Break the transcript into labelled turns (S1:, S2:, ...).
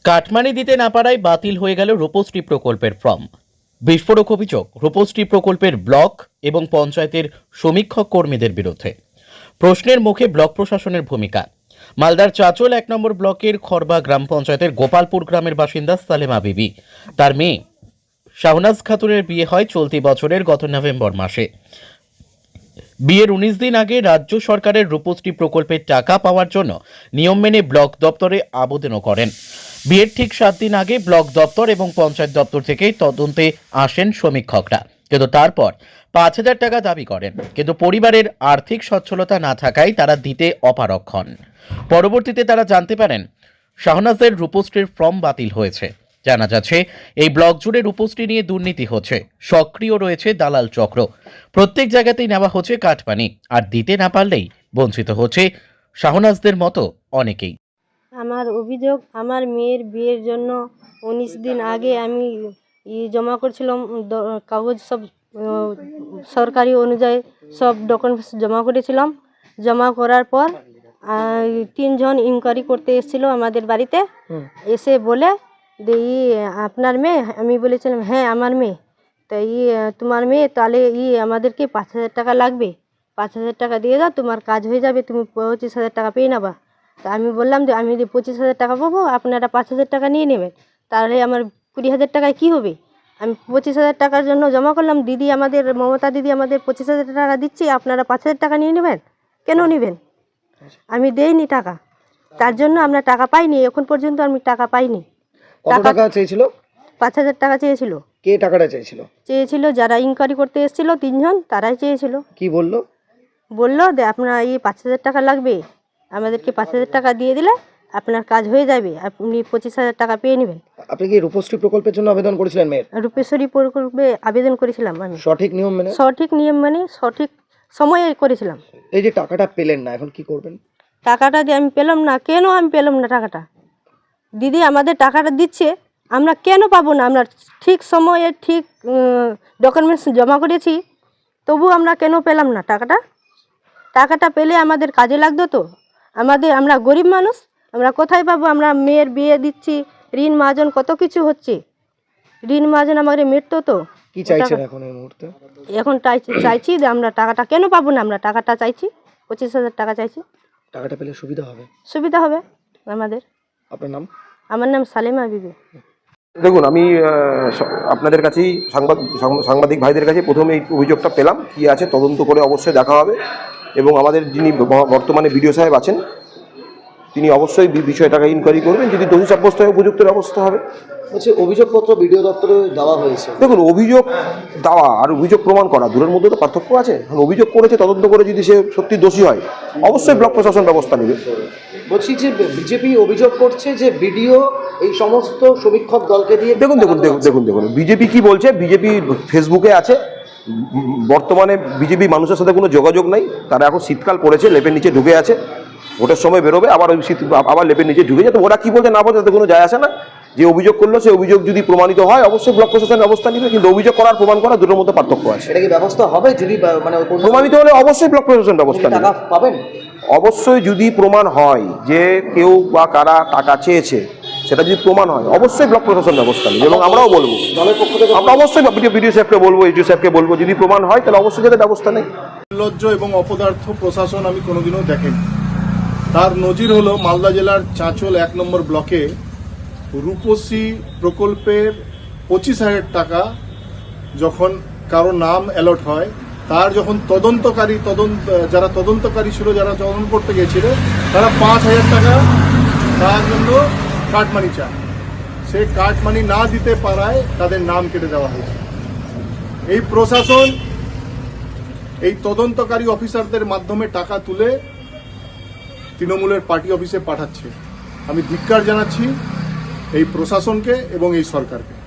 S1: Cut money দিতে না পারায় বাতিল হয়ে গেল রূপশ্রী প্রকল্পের ফর্ম। বিস্ফোরক অভিযোগ রূপশ্রী প্রকল্পের ব্লক এবং পঞ্চায়েতের সমীক্ষক কর্মীদের বিরুদ্ধে। প্রশ্নের মুখে ব্লক প্রশাসনের ভূমিকা। মালদার চাচল 1 নম্বর ব্লকের খরবা গ্রাম পঞ্চায়েতের গোপালপুর গ্রামের বাসিন্দা সালেমা বিবি, তার মেয়ে শাহনাজ খাতুনের বিয়ে হয় চলতি বছরের গত নভেম্বর মাসে। বিয়ের 19 দিন আগে রাজ্য সরকারের রূপশ্রী প্রকল্পের টাকা পাওয়ার জন্য নিয়ম মেনে ব্লক দপ্তরে আবেদনও করেন। বিয়ের ঠিক 7 দিন আগে ব্লক দপ্তর এবং পঞ্চায়েত দপ্তর থেকে তদন্তে আসেন সমীক্ষকরা, কিন্তু তারপর 5,000 টাকা দাবি করেন, কিন্তু পরিবারের আর্থিক সচ্ছলতা না থাকায় তারা দিতে অপারগ হন। পরবর্তীতে তারা জানতে পারেন শাহনাজের রূপশ্রীর ফর্ম বাতিল হয়েছে। জানা যাচ্ছে এই ব্লক জুড়ে রূপশ্রী নিয়ে দুর্নীতি হচ্ছে, সক্রিয় রয়েছে দালাল চক্র। প্রত্যেক জায়গাতেই নেওয়া হচ্ছে কাটমানি, আর দিতে না পারলেই বঞ্চিত হচ্ছে শাহনাজদের মতো অনেকেই।
S2: আমার অভিযোগ, আমার মেয়ের বিয়ের জন্য 19 দিন আগে আমি জমা করেছিলাম কাগজ, সব সরকারি অনুযায়ী সব ডকুমেন্টস জমা করেছিলাম। জমা করার পর 3 জন ইনকোয়ারি করতে এসেছিল আমাদের বাড়িতে। এসে বলে যে আপনার মেয়ে? আমি বলেছিলাম হ্যাঁ আমার মেয়ে। তো তোমার মেয়ে, তাহলে আমাদেরকে 5,000 টাকা লাগবে, 5,000 টাকা দিয়ে দাও, তোমার কাজ হয়ে যাবে, তুমি 25,000 টাকা পেয়ে নেবা। তা আমি বললাম যে আমি যদি 25,000 টাকা পাবো, আপনারা 5,000 টাকা নিয়ে নেবেন, তাহলে আমার 20,000 টাকায় কী হবে? আমি 25,000 টাকার জন্য জমা করলাম। দিদি আমাদের, মমতা দিদি আমাদের 25,000 টাকা দিচ্ছি, আপনারা 5,000 টাকা নিয়ে নেবেন। কেন নেবেন? আমি দেইনি টাকা, তার জন্য আমরা টাকা পাইনি, এখন পর্যন্ত আমি টাকা পাইনি।
S3: কত টাকা চেয়েছিল?
S2: 5,000 টাকা চেয়েছিল।
S3: কে টাকাটা চেয়েছিল?
S2: যারা ইনকোয়ারি করতে এসেছিল 3 জন, তারাই চেয়েছিল।
S3: কি বললো?
S2: বললো যে আপনার 5,000 টাকা লাগবে, আমাদেরকে 5,000 টাকা দিয়ে দিলে আপনার কাজ হয়ে যাবে, আপনি 25,000 টাকা পেয়ে নেবেন।
S3: আপনি কি রূপশ্রী প্রকল্পের জন্য আবেদন করেছিলেন মেয়ের?
S2: রূপশ্রী প্রকল্পে আবেদন করেছিলাম আমি,
S3: সঠিক নিয়ম মেনে?
S2: সঠিক নিয়ম মানে সঠিক সময়ে করেছিলাম।
S3: এই যে টাকাটা পেলেন না, এখন কি করবেন?
S2: টাকাটা যে আমি পেলাম না, কেন আমি পেলাম না টাকাটা? দিদি আমাদের টাকাটা দিচ্ছে, আমরা কেন পাবো না? আমরা ঠিক সময়ে ঠিক ডকুমেন্টস জমা করেছি, তবু আমরা কেন পেলাম না টাকাটা? টাকাটা পেলে আমাদের কাজে লাগতো তো। আমরা গরিব মানুষ, আমরা কোথায় পাবো? আমরা মেয়ের বিয়ে দিচ্ছি, ঋণ মাজন কত কিছু হচ্ছে, ঋণ মাজন আমাদের মেটতো তো।
S3: কি চাইছেন এখন এই মুহূর্তে?
S2: এখন চাইছি যে আমরা টাকাটা কেন পাবো না? আমরা টাকাটা চাইছি, 25,000 টাকা চাইছি।
S3: টাকাটা পেলে সুবিধা হবে?
S2: সুবিধা হবে আমাদের।
S3: আপনার নাম?
S2: আমার নাম সালেমা বিবি।
S4: দেখুন, আমি আপনাদের কাছেই সাংবাদিক ভাইদের কাছে প্রথমে এই অভিযোগটা পেলাম। কি আছে তদন্ত করে অবশ্যই দেখা হবে, এবং আমাদের যিনি বর্তমানে বিডিও সাহেব আছেন তিনি অবশ্যই বিষয়টাকে ইনকোয়ারি করবেন। যদি দোষী সাব্যস্ত হয় উপযুক্ত ব্যবস্থা হবে।
S3: বলছি অভিযোগপত্র বিডিও দপ্তরে দেওয়া হয়েছে।
S4: দেখুন, অভিযোগ দেওয়া আর অভিযোগ প্রমাণ করা দূরের মধ্যে তো পার্থক্য আছে। অভিযোগ করেছে, তদন্ত করে যদি সে সত্যি দোষী হয় অবশ্যই ব্লক প্রশাসন ব্যবস্থা নেবে।
S3: বলছি যে বিজেপি অভিযোগ করছে যে বিডিও এই সমস্ত সমীক্ষক দলকে দিয়ে।
S4: দেখুন বিজেপি কি বলছে। বিজেপি ফেসবুকে আছে। বর্তমানে বিজেপি মানুষের সাথে কোনো যোগাযোগ নাই। তারা এখন শীতকাল পড়েছে, লেপের নিচে ঢুকে আছে। ভোটের সময় বেরোবে, আবার ওই আবার লেপের নিচে ঢুকে যায়। তো ওরা কি বলছে না বলছে তাতে কোনো যায় আসে না। যে অভিযোগ করলো সেই অভিযোগ যদি প্রমাণিত হয় অবশ্যই ব্লক প্রশাসন ব্যবস্থা নেবে, কিন্তু অভিযোগ করার প্রমাণ করা দুটোর মধ্যে পার্থক্য আছে।
S3: এটা কি ব্যবস্থা হবে? যদি মানে
S4: প্রমাণিত হলে অবশ্যই ব্লক প্রশাসন ব্যবস্থা নেবে।
S3: টাকা পাবেন
S4: অবশ্যই। যদি প্রমাণ হয় যে কেউ বা কারা টাকা চেয়েছে, সেটা যদি প্রমাণ হয় অবশ্যই ব্লক প্রশাসন ব্যবস্থা নেবে। এবং আমরাও বলবো,
S3: দলের পক্ষ থেকে
S4: আমরা অবশ্যই বিডিও সাহেবকে বলবো, এইচডিও সাহেবকে বলবো, যদি প্রমাণ হয় তাহলে অবশ্যই যাতে ব্যবস্থা নেই।
S5: নির্লজ্জ এবং অপদার্থ প্রশাসন আমি কোনোদিনও দেখেনি। তার নজির হলো মালদা জেলার চাচল 1 নম্বর ব্লকে রূপশ্রী প্রকল্পের 25,000 টাকা যখন কারো নাম অ্যালট হয়, তার যখন যারা তদন্তকারী ছিল, যারা তদন্ত করতে গিয়েছিল, তারা 5,000 টাকা তার জন্য কাটমানি চায়। সে কাটমানি না দিতে পারায় তাদের নাম কেটে দেওয়া হয়েছে। এই প্রশাসন এই তদন্তকারী অফিসারদের মাধ্যমে টাকা তুলে তৃণমূলের পার্টি অফিসে পাঠাচ্ছে। আমি ধিক্কার জানাচ্ছি এই প্রশাসনকে এবং এই সরকারকে।